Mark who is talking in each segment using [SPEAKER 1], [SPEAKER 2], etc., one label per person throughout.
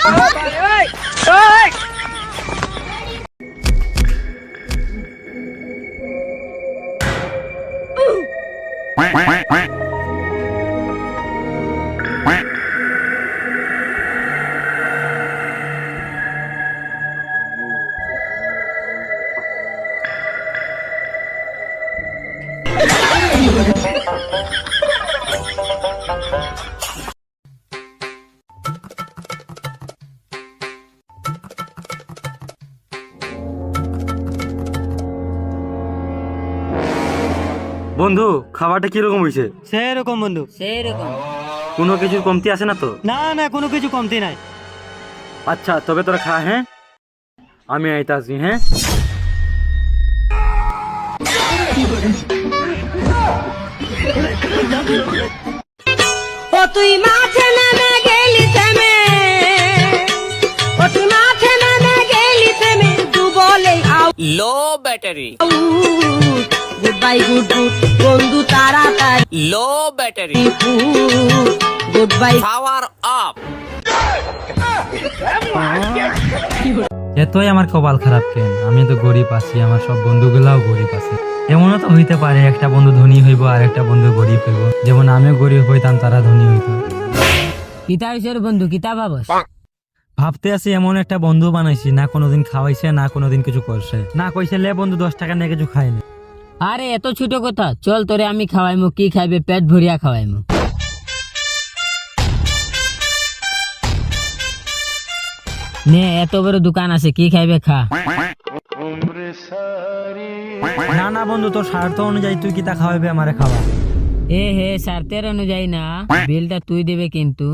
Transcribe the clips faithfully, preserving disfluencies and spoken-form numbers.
[SPEAKER 1] বন্ধু খাবারটা কিরকম হয়েছে?
[SPEAKER 2] সেরকম বন্ধু,
[SPEAKER 3] সেরকম
[SPEAKER 1] কোনো কিছুর কমতি আছে না তো?
[SPEAKER 2] না না কোনো কিছু কমতি নাই।
[SPEAKER 1] আচ্ছা তবে তোরা খা, হ্যাঁ আমি আইতে আসি। হ্যাঁ
[SPEAKER 3] ও তুই মাঠে নেমে গেলি থেমে, ও তুই মাঠে নেমে গেলি থেমে, তু বলে আউ
[SPEAKER 4] low battery,
[SPEAKER 3] goodbye good good বন্ধু তাড়াতাড়ি,
[SPEAKER 4] low battery,
[SPEAKER 3] goodbye
[SPEAKER 4] power up.
[SPEAKER 5] এতই আমার কপাল খারাপ কেন? আমি তো গরিব আছি, আমার সব বন্ধুগুলাও গরিব আছে। এমনও তো হইতে পারে একটা বন্ধু ধনী হইব আর একটা বন্ধু গরিব হইব, যেমন আমিও গরিব হইতাম তারা ধনী হইতো।
[SPEAKER 3] কিতা হইছে বন্ধু, কিতা ভাবস?
[SPEAKER 5] ভাবতে আছি এমন একটা বন্ধু বানাইছি, না কোনোদিন খাওয়াইছে না কোনোদিন কিছু করছে, না কইছে লে বন্ধু দশ টাকা নিয়ে কিছু খাইনি।
[SPEAKER 3] আরে এত ছোট কথা, চল তোরে আমি খাওয়াইমু, কি খাইবে পেট ভরিয়া খাওয়াইমু। নে এত বড় দোকান আছে, কি খাইবে খা।
[SPEAKER 5] না না বন্ধু, তোর স্বার্থ অনুযায়ী তুই কিতা খাওয়াইবে আমারে খাওয়া।
[SPEAKER 3] এ হে স্বার্থের অনুযায়ী না, বিলটা তুই দেবে কিন্তু।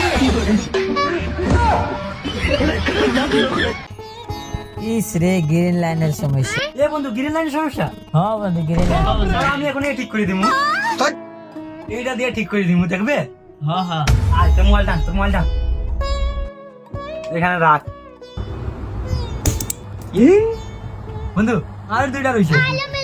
[SPEAKER 3] ইস রে গ্রিন লাইনের সমস্যা।
[SPEAKER 5] এ বন্ধু গ্রিন লাইনের সমস্যা?
[SPEAKER 3] হ্যাঁ বন্ধু গ্রিন লাইন।
[SPEAKER 5] আমি এখন ঠিক করে দিমু, এইটা দিয়ে ঠিক করে দিমু, দেখবে?
[SPEAKER 3] হ্যাঁ হ্যাঁ
[SPEAKER 5] আয় তোর মোবাইল টান, তোর মোবাইল টান, এখানে রাখ। ই, বন্ধু আর দুইটা রইছে।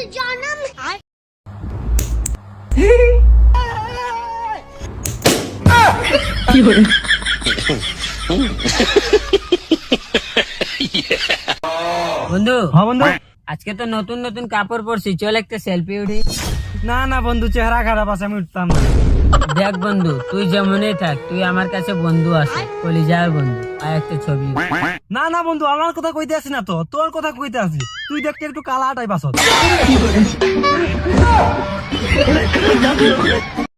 [SPEAKER 3] বন্ধু
[SPEAKER 5] হ্যাঁ বন্ধু।
[SPEAKER 3] আজকে তো নতুন নতুন কাপড় পরছি, চল একটা সেলফি উঠি।
[SPEAKER 5] না না বন্ধু, চেহারা খারাপ আছে, আমি উঠতাম না।
[SPEAKER 3] দেখ বন্ধু তুই যেমনই থাক, তুই আমার কাছে বন্ধু আছে, কলিজার বন্ধু, আর একটা ছবি।
[SPEAKER 5] না না বন্ধু, আমার কথা কইতে আসি না তো, তোর কথা কইতে আসি। তুই দেখতে একটু কালা টাইপ আছ।